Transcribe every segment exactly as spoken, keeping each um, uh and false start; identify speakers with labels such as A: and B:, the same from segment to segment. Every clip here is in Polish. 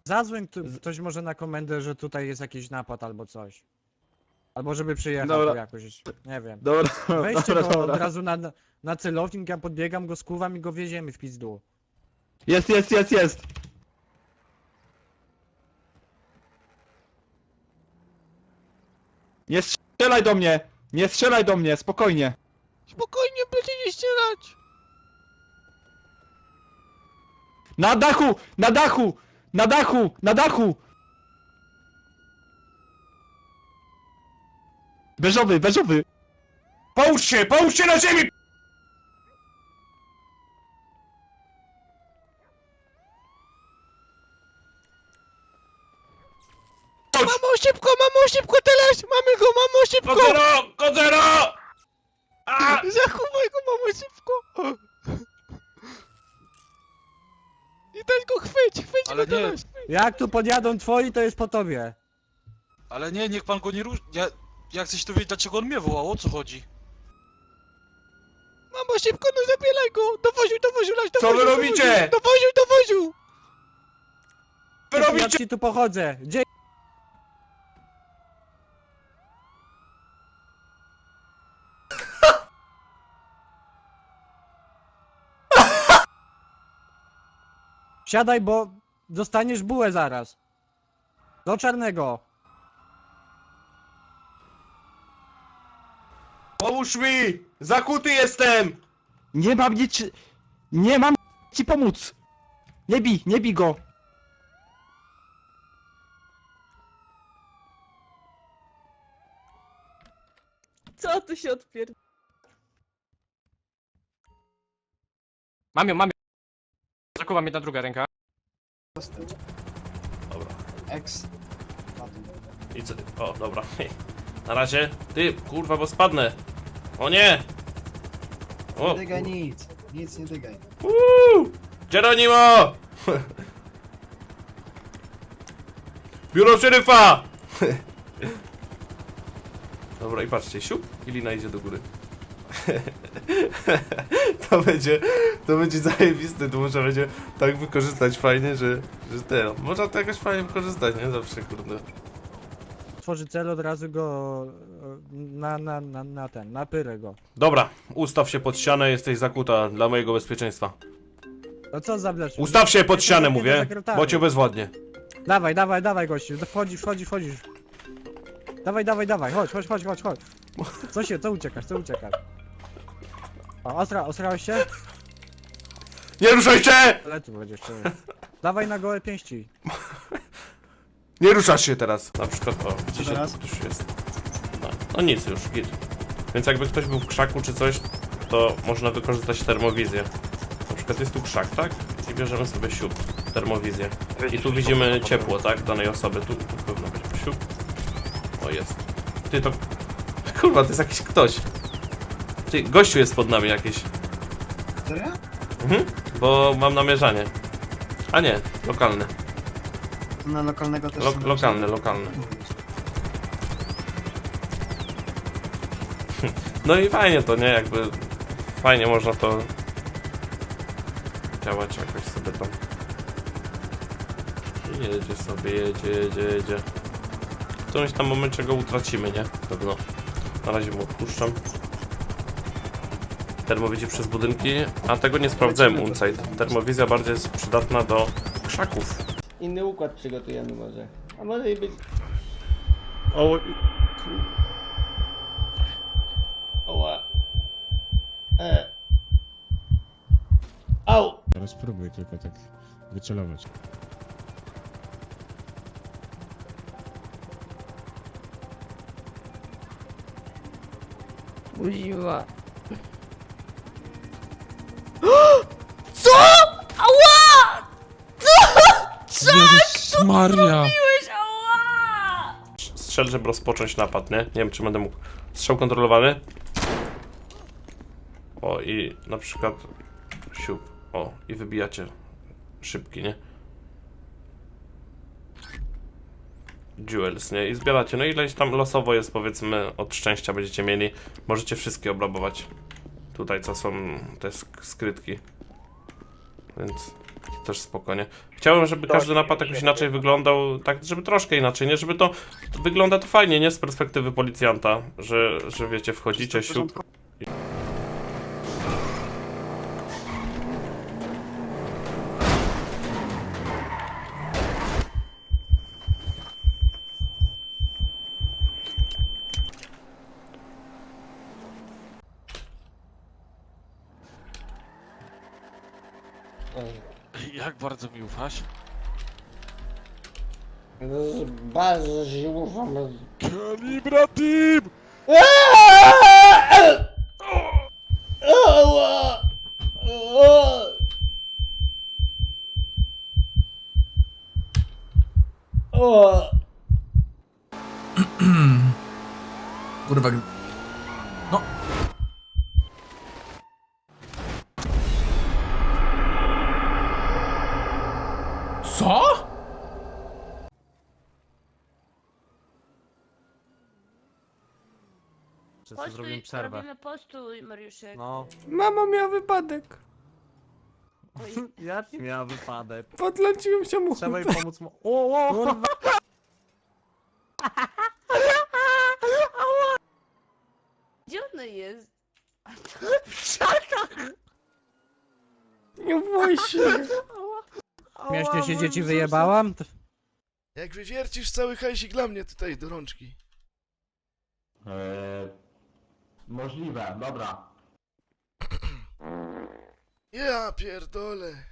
A: Zadzwoń tu, ktoś może na komendę, że tutaj jest jakiś napad albo coś. Albo żeby przyjechał
B: Dobra.
A: tu jakoś, nie wiem.
B: Dobra,
A: Weźcie
B: dobra,
A: go
B: dobra.
A: od razu na, na celownik, ja podbiegam go, skuwam i go wieziemy w pizdu.
B: Jest, jest, jest, jest! Nie strzelaj do mnie! Nie strzelaj do mnie, spokojnie!
C: Spokojnie, będzie nie ścierać!
B: Na dachu! Na dachu! Na dachu! Na dachu! Beżowy, beżowy!
D: Połóż się! Połóż się na ziemi!
C: Mamo, szybko, mamo, szybko teraz! Mamy go, mamo, szybko!
D: Kozero! Kozero! A!
C: Zachowaj go, mamo, szybko! I też go chwyć, chwyć
E: Ale
C: go
E: nie.
C: teraz!
A: Jak tu podjadą twoi, to jest po tobie.
E: Ale nie, niech pan go nie rusz... Ja... Ja chcę się dowiedzieć, dlaczego on mnie wołał, o co chodzi?
C: Mamo, szybko, no zabieraj go! Dowoził, dowoził, laś,
D: Co
C: dowoził,
D: wy robicie?
C: Dowoził, dowoził!
D: Wy
A: Ja
D: robicie!
A: ci tu pochodzę. Gdzie? Siadaj, bo dostaniesz bułę zaraz. Do czarnego.
D: Pomóż mi! Zakuty jestem!
B: Nie mam nic... Nie mam ci pomóc! Nie bij, nie bij go!
F: Co tu się odpier...
G: Mam ją, mam ją. Zakuwa mnie ta druga ręka.
H: Dobra.
I: X.
H: I co ty? O, dobra. Na razie. Ty, kurwa, bo spadnę. O nie! O!
I: Nie dygaj nic. Nic nie dygaj.
H: Uuu! Geronimo! Biuro szeryfa! Dobra, i patrzcie, siup i lina idzie do góry. To będzie, to będzie zajebiste, to można będzie tak wykorzystać fajnie, że, że te, można to jakoś fajnie wykorzystać, nie? Zawsze, kurde.
A: Tworzy cel, od razu go e, na, na, na, na ten, na pyrę go.
H: Dobra, ustaw się pod ścianę, jesteś zakuta dla mojego bezpieczeństwa.
A: No co za blesz?
H: Ustaw się pod ścianę,
A: Nie,
H: mówię,
A: sekretarzu.
H: bo cię bezwładnie.
A: Dawaj, dawaj, dawaj gościu, wchodzisz, wchodzisz, wchodzisz. Dawaj, dawaj, dawaj, chodź, chodź, chodź, chodź, chodź. Co się, co uciekasz, co uciekasz? O, ostra, osrałeś się?
H: Nie ruszaj się!
A: Ale tu będziesz jeszcze. Dawaj na gołe pięści.
H: Nie ruszasz się teraz. Na przykład, o, widzicie,
I: teraz?
H: tu już jest. No, no nic już, git. Więc jakby ktoś był w krzaku czy coś, to można wykorzystać termowizję. Na przykład jest tu krzak, tak? I bierzemy sobie siup, termowizję. I tu widzimy ciepło, tak? Danej osoby. Tu, tu pewno będzie siup. O, jest. Ty, to... Kurwa, to jest jakiś ktoś. Ty, gościu jest pod nami jakiś.
I: Serio?
H: Mhm, bo mam namierzanie. A nie, lokalny.
I: To na lokalnego też
H: Lo
I: są
H: lokalny, lokalny. No i fajnie to, nie? Jakby fajnie można to działać jakoś sobie tam. I jedzie sobie, jedzie, jedzie, jedzie. W którymś tam momencie go utracimy, nie? Pewno. Na razie mu odpuszczam. Termowizję przez budynki, a tego nie sprawdzałem Unside. Termowizja bardziej jest przydatna do krzaków.
J: Inny układ przygotujemy może. A może i być...
H: O,
J: Oła. E. Au!
K: Teraz spróbuj tylko tak wycelować.
F: Buziła. Co? Ała!
K: Jezus Maria!
F: Ała!
H: strzel, żeby rozpocząć napad, nie? Nie wiem, czy będę mógł. Strzał kontrolowany. O, i na przykład siup. O, i wybijacie szybki, nie? Jewels, nie? I zbieracie. No ileś tam losowo jest, powiedzmy, od szczęścia będziecie mieli. Możecie wszystkie obrabować. Tutaj, co są te sk skrytki. Więc też spokojnie. Chciałem, żeby każdy napad jakoś inaczej wyglądał, tak, żeby troszkę inaczej, nie? Żeby to, wygląda to fajnie, nie? Z perspektywy policjanta, że, że wiecie, wchodzicie, siup.
E: Jak bardzo mi ufasz?
J: Bardzo się ufam.
E: Kalibra Team!
J: Ała! Ała! Ała!
C: Kurwa. No. Co?
A: Wszyscy zrobimy przerwę.
F: Robimy postój, Mariuszek.
A: No.
C: Mama miała wypadek.
A: Jaki miał wypadek?
C: Podląciłem się mu.
A: Trzeba jej pomóc mu... O, o, kurwa!
F: Gdzie ona jest?
C: Nie bój się.
A: Śmiesznie się dzieci wyjebałam? To-
C: Jak wywiercisz cały hajsik dla mnie tutaj do rączki.
B: Eee, możliwe, dobra.
C: Ja pierdolę.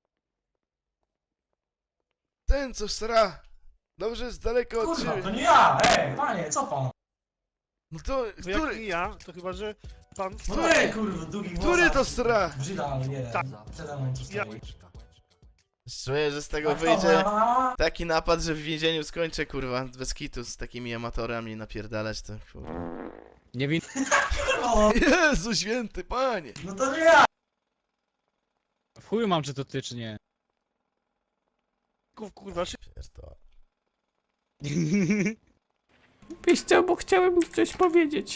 C: Ten co sra. Dobrze z daleka od ciebie.
D: nie ja! Ej, panie, co pan?
C: No to, który,
E: nie ja, to chyba, że pan...
D: Ej, kurwa, długi
C: który to sra?
D: Brzyda, nie.
E: Tak.
D: Przede mną tu
E: Ja-
D: stoi.
J: Czuję, że z tego
D: A kto,
J: wyjdzie
D: moja mama?
J: taki napad, że w więzieniu skończę, kurwa, bez kitu z takimi amatorami napierdalać to, kurwa.
A: Nie win...
C: Jezu święty panie.
D: No to nie ja!
A: W chuju mam, czy to ty, czy nie.
E: Kurwa,
J: Pierdolę.
C: Byś chciał, bo chciałem coś powiedzieć.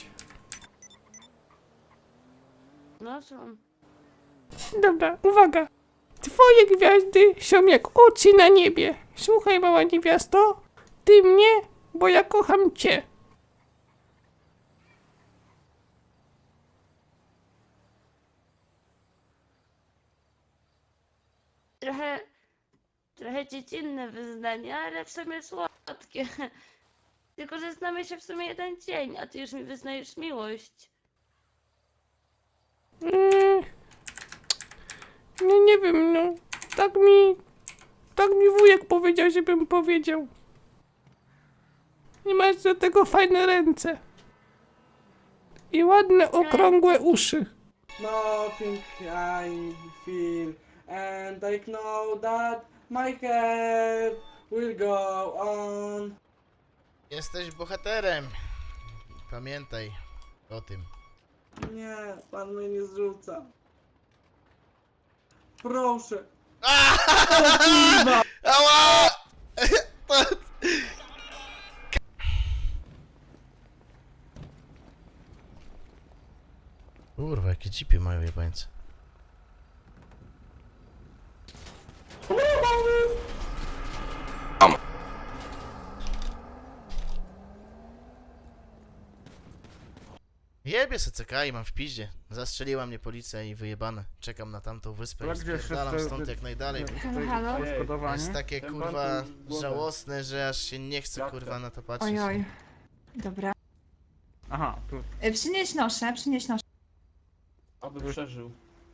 F: No są.
C: Dobra, uwaga. Twoje gwiazdy są jak oczy na niebie. Słuchaj, mała niewiasto. Ty mnie, bo ja kocham cię.
F: Trochę... Trochę dziecinne wyznania, ale w sumie słodkie. Tylko, że znamy się w sumie jeden dzień, a ty już mi wyznajesz miłość.
C: Mm, no nie wiem, no. Tak mi... Tak mi wujek powiedział, żebym powiedział. I masz do tego fajne ręce. I ładne, okrągłe uszy.
I: Nothing I feel, and I know that my head will go on.
J: Jesteś bohaterem. Pamiętaj o tym.
I: Nie, pan mnie nie zrzuca. Proszę.
J: Ała! Kurwa, jakie cipy mają jebańce. Jebie se C K i mam w piździe. Zastrzeliła mnie policja i wyjebane. Czekam na tamtą wyspę i spierdalam stąd jak najdalej.
F: Halo?
J: To jest takie kurwa żałosne, że aż się nie chce kurwa na to patrzeć.
F: Ojoj. Dobra.
B: Aha, tu,
F: Przynieś noszę, przynieś noszę.
B: aby przeżył.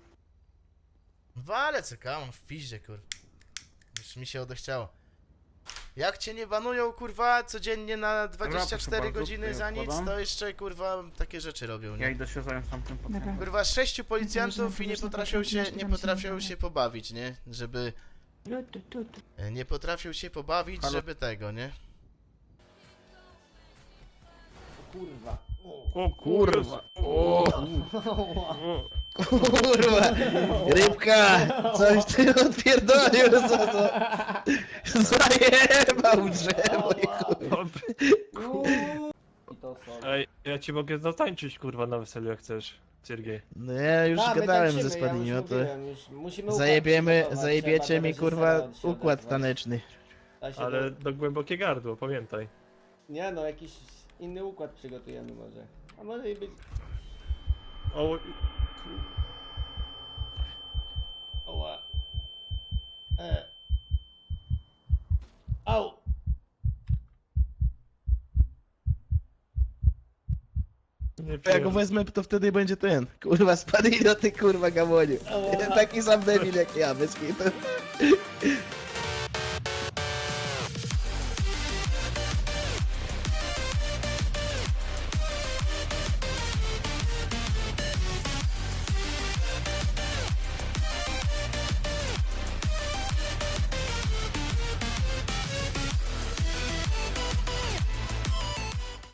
J: Wale C K, mam w piździe kurwa. Już mi się odechciało. Jak cię nie banują kurwa codziennie na dwadzieścia cztery
B: bardzo,
J: godziny
B: tutaj
J: za nic,
B: odkładam.
J: to jeszcze kurwa takie rzeczy robią,
B: Ja
J: nie?
B: idę się zająć tamtym pacjentem.
J: Kurwa sześciu policjantów i nie
F: Można
J: potrafią się,
F: popatrzeć,
J: nie
F: tam się
J: potrafią
F: nie
J: się pobawić, nie? Żeby,
F: Tu, tu, tu, tu.
J: nie potrafią się pobawić,
B: Halo?
J: żeby tego, nie?
I: Kurwa.
B: O kurwa! O,
C: Kurwa! Rybka! Coś ty odpierdolił, co to? Zajebał drzewo i kurwa.
I: to są.
L: Ej, ja ci mogę zatańczyć kurwa na weselu jak chcesz, Siergiej.
B: No ja już
I: Tak, my
B: gadałem
I: tańczymy,
B: ze
I: ja
B: Spadinio,
I: już
B: to
I: mówiłem, już musimy układ
B: zajebiemy,
I: przygotować,
B: zajebiecie
I: trzeba do
B: mi kurwa
I: reżysera się
B: układ
I: odezwać.
B: taneczny.
I: Da się
L: Ale
I: do-
L: do głębokie gardło, pamiętaj.
I: Nie no, jakiś inny układ przygotujemy może. A może i być...
L: O,
I: Oła. E. Au!
L: nie
B: Jak
L: pier...
B: go wezmę, to wtedy będzie ten. Kurwa, Spadinio, ty kurwa gamoniu.
I: Ała.
B: Taki sam debil jak ja, bez kitu.